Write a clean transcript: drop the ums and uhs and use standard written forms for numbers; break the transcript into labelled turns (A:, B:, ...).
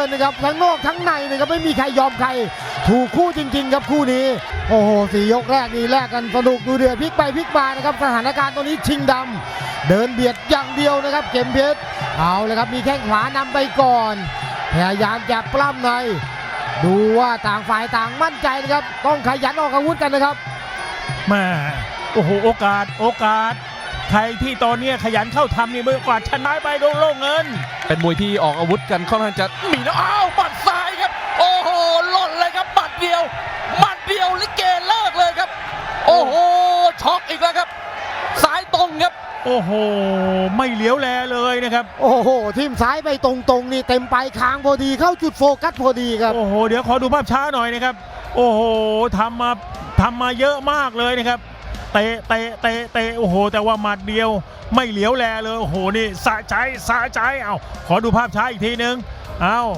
A: นนะครับทั้งนอกทั้งในนะครับไม่มีใครยอมใครถูกคู่จริงๆครับคู่นี้โอ้โห4 ยกแรกนี่แลกกันสนุกดูเดือดพลิกไปพลิกมานะครับสถานการณ์ตอนนี้ชิงดำเดินเบียดอย่างเดียวนะครับเข็มเพชรเอาเลยครับมีแข้งขวานำไปก่อนพยายามจะปล้ำในดูว่าต่างฝ่ายต่างมั่นใจนะครับต้องขยันออกอาวุธกันนะครับ
B: มาโอ้โหโอกาสใครที่ตอนนี้ขยันเข้าทำนี่เมื่อกว่าชนะไปโล่งเงิน
C: เป็นมวยที่ออกอาวุธกันค่อนข้างจะมีนะอ้าวบัดซ้ายครับโอ้โหหล่นเลยครับบัดเดียวลิเกเลิกเลยครับโอ้โหช็อกอีกแล้วครับซ้ายตรงครับ
B: โอ้โหไม่เหลียวแลเลยนะครับ
A: โอ้โหทิ่มซ้ายไปตรงๆนี่เต็มไปคางพอดีเข้าจุดโฟกัสพอดีครับ
B: โอ้โหเดี๋ยวขอดูภาพช้าหน่อยนะครับโอ้โหทำมาเยอะมากเลยนะครับเตะโอ้โหแต่ว่าหมัดเดียวไม่เหลียวแลเลยโอ้โหนี่สะใจเอาขอดูภาพช้าอีกทีนึงเอา